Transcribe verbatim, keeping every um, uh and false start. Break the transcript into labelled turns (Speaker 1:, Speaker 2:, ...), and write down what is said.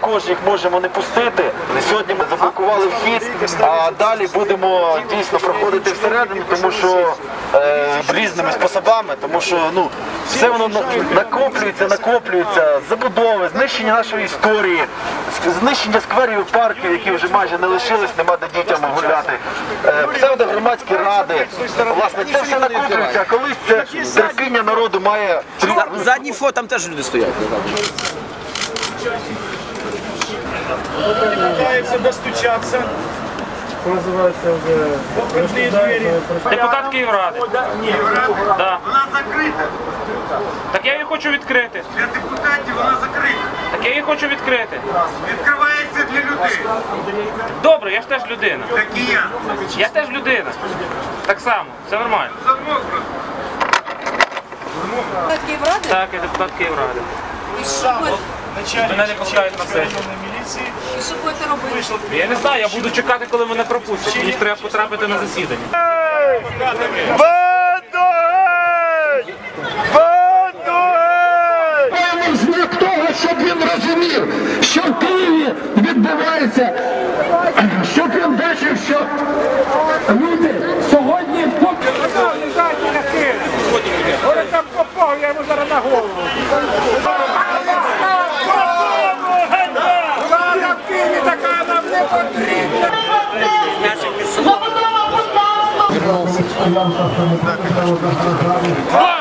Speaker 1: також їх можемо не пустити. Сьогодні ми заблокували вхід, а далі будемо дійсно проходити всередину, тому що е, різними способами, тому що ну, все воно накоплюється, накоплюється, забудови, знищення нашої історії, знищення скверів і парків, які вже майже не лишились, нема де дітям гуляти, е, псевдогромадські ради. Власне, це все накоплюється, а колись це терпіння народу має...
Speaker 2: Задній фото, там теж люди стоять.
Speaker 3: Пытается достучаться.
Speaker 4: Називається вже
Speaker 3: Покрытые двери.
Speaker 5: Депутат Київради. Да.
Speaker 6: Вона закрита.
Speaker 5: Так я її хочу відкрити.
Speaker 6: Для депутатів вона закрита.
Speaker 5: Так я її хочу відкрити.
Speaker 6: Відкривається для людей.
Speaker 5: Добре, я ж теж людина.
Speaker 6: Так і я.
Speaker 5: Я теж людина. Так само, все нормально.
Speaker 6: Замок просто.
Speaker 7: Депутат Київради?
Speaker 5: Так, я депутат Київради.
Speaker 7: І що будете-
Speaker 5: Мене не пускають на сесію.
Speaker 7: і що будете робити?
Speaker 5: Я не знаю, я буду чекати, коли мене пропустять. Мені ж треба потрапити на засідання.
Speaker 8: Маємо знак того, щоб він розумів, що в Києві відбувається, щоб він бачив, що люди сьогодні поки...
Speaker 3: Ой, там попав, я йому зараз на голову. Влада в Києві така нам не потрібна.
Speaker 8: Забудова, будь ласка!